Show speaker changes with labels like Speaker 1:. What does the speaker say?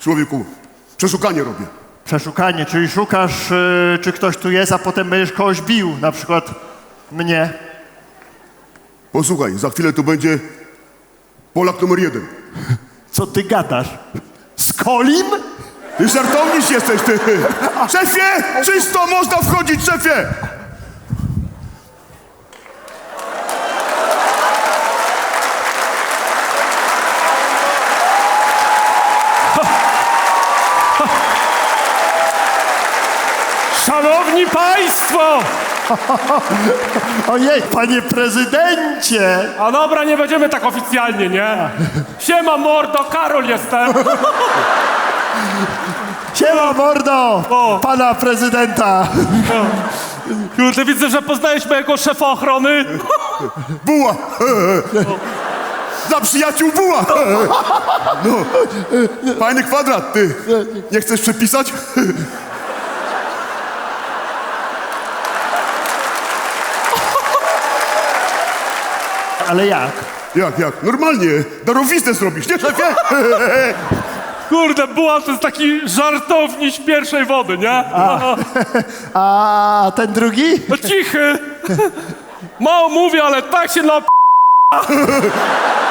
Speaker 1: Człowieku, przeszukanie robię.
Speaker 2: Przeszukanie, czyli szukasz, czy ktoś tu jest, a potem będziesz kogoś bił, na przykład mnie.
Speaker 1: Posłuchaj, za chwilę tu będzie Polak numer 1.
Speaker 2: Co ty gadasz? Z Kolim?
Speaker 1: Ty żartowniś jesteś, ty! Szefie! Czysto! Można wchodzić, szefie!
Speaker 3: Szanowni Państwo!
Speaker 2: Ojej, panie prezydencie!
Speaker 3: A dobra, nie będziemy tak oficjalnie, nie? Siema mordo, Karol jestem!
Speaker 2: Siema, mordo!
Speaker 3: O.
Speaker 2: Pana prezydenta!
Speaker 3: Kurde, widzę, że poznajesz mojego szefa ochrony.
Speaker 1: Buła! Dla przyjaciół buła! No, fajny kwadrat, ty. Nie chcesz przepisać?
Speaker 2: Ale jak?
Speaker 1: Jak? Normalnie. Darowiznę zrobisz, nie, szefie?
Speaker 3: Kurde, Buła to jest taki żartowniś pierwszej wody, nie?
Speaker 2: A ten drugi?
Speaker 3: No cichy! Mało mówię, ale tak się